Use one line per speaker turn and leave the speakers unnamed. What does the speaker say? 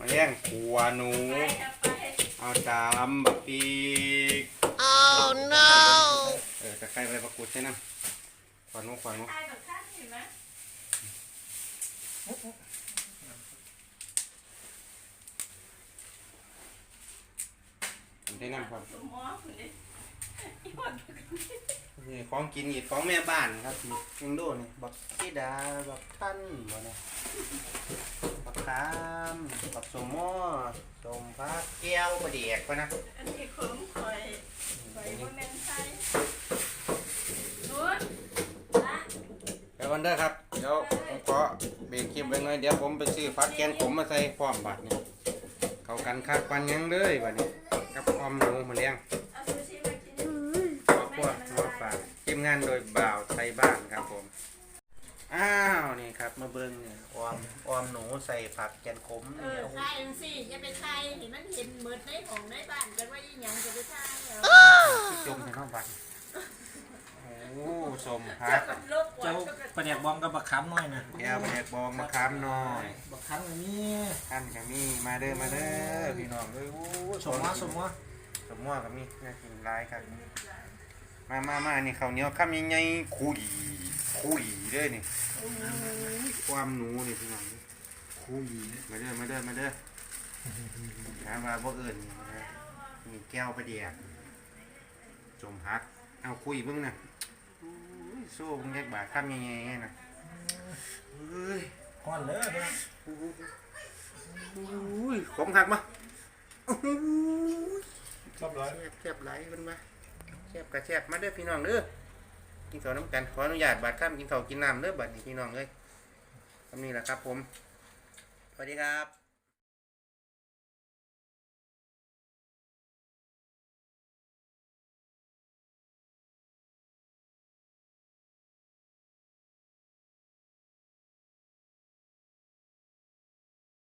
มาแย่งขัวหนูเอาจามบักปีกno ตะไคร้ใบมะกรูดใช่ไหมขวานนูได้น้ำครับนี่ของกินอีกของแม่บ้านครับยังดูนี่บักซีดาบักท่านบ่เนี่ยบักขามบักสมอสมพักแก้วประเดียกปะนะ
อันนี้ของข่อยบ่แม่นไทยนู้น
เดี๋ยวก่อนเด้อครับเดี๋ยวผมขอเบรกคลิปไว้หน่อยเดี๋ยวผมไปซื้อฟักแกนขมมาใส่พร้อมบัดนี่เข้ากันคักปันยังเลยบัดนี้กับออมหนูมาเลี้ยง
เอาซูชิมากิน
ครอบครัวมาฝากทีมงานโดยบ่าวไทยบ้านครับผมอ้าวนี่ครับมาเบิ้งเนี่ยออมหนูใส่ผักแกนขมนี่
ใช่สิอย่าไปไทยเห็นมันเห็นเหมือนในของในบ้านกันว่าอีหยังจะไปไทย
จมในห้องบัดโอ้สมพัก
เจ้าปลาแดกบองกับบักขามน้อยนะ
แก้วแดกบองมะขามน้อย
บักขามอันนี้
ท่านกับมีมาเด้อพี่น้องเอ้ยโอ้
สมว่า
กับมีน่ากินร้ายครับมานี่ข้าวเหนียวข้ามยังไงคุยเด้อนี่ความหนูนี่พี่น้องคุยมาเด้อถามว่าบ่เอิญนี่แก้วประเดียกจมพักเอาคุยเบิ่งนะสู้มึงแยกบาข้ามยังไงนะ
ก้อนเลย
ผมทักมา
ชอบร้อย
แซ่บไหลมันมาแซ่บมาเด้อพี่น้องเด้อกินข้าวน้ำกันขออนุญาตบาดข้ามกินข้าวกินน้ำเด้อบัดนี้พี่น้องเอ้ยทำนี่แหละครับผมสวัสดีครับ